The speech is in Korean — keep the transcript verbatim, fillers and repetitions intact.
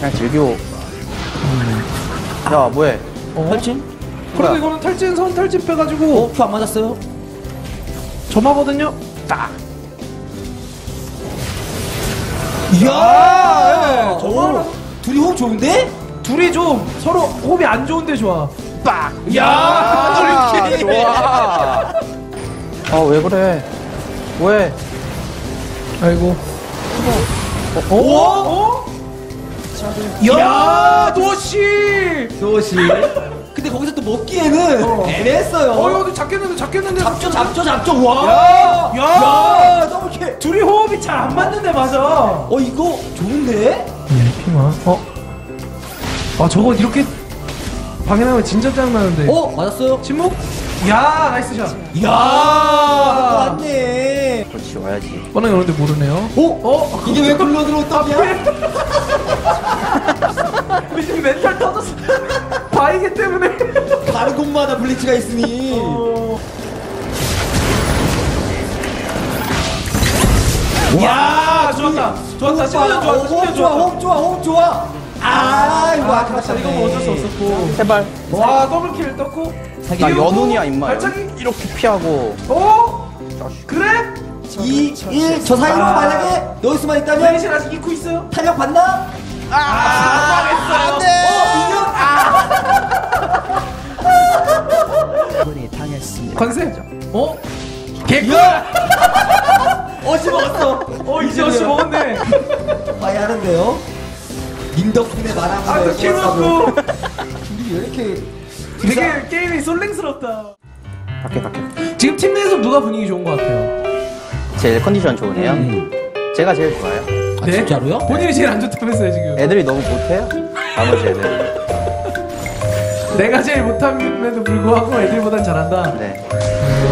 그냥 즐겨. 음. 야 뭐해? 어? 탈진? 그래도 이거는 탈진 선 탈진 빼가지고 어? 큐 안 맞았어요? 점하거든요? 딱! 이야! 예, 저거 둘이 호흡 좋은데? 둘이 좀 서로 호흡이 안 좋은데 좋아. 빡! 야! 아, 좋아! 아 왜 그래? 왜? 아이고. 어? 어? 어? 야, 노시! 노시. 근데 거기서 또 먹기에는 어. 애매했어요. 어, 이거 잡겠는데, 잡겠는데. 잡죠, 잡죠, 잡죠. 와! 야! 야! 야! 더블킬! 둘이 호흡이 잘 안 맞는데, 맞아. 어, 이거 좋은데? 예, 핑아. 어? 아, 저거 이렇게 방해나면 진짜 짱나는데. 어? 맞았어요? 침묵? 야, 나이스 샷. 이야! 맞네. 그렇지 와야지. 뻔하게 오는데 모르네요. 어? 어? 이게 왜 굴러 들어왔다냐? 지금 멘탈 터졌어. 바이게 때문에. 다른 곳마다 블리츠가 있으니. 어... 야, 좋았다. 좋았다. 시간 좋았다. 호흡 시간 좋아, 좋았다. 호흡 좋아, 호흡 좋아. 아, 이거 아, 아깝다. 이거 뭐 어쩔 수 없었고. 제발. 와, 더블킬 떴고. 나 연운이야 임마. 발차기? 이렇게 피하고. 어? 그래? 이, 일, 저 사이로 아. 만약에 넣을 있다면 레이신 아직 잊고 있어요? 탄력 받나? 아, 망했어요. 안 돼. 어, 이겨? 관세. 어? 개꿀. 어시 먹었어. 어, 이제 어시 먹었네. 봐야 하는데요. 님 덕분에 말하는 아, 또 키워놓고. 둘이 왜 이렇게 되게 게임이 솔랭스럽다. 갈게 갈게. 지금 팀 내에서 누가 분위기 좋은 것 같아요? 제일 컨디션 좋으네요. 음. 제가 제일 좋아요. 아, 진짜로요? 본인이 제일 안 좋다면서요 지금. 애들이 너무 못해요. 나머지 애들. 내가 제일 못함에도 불구하고 애들보단 잘한다. 네. 음.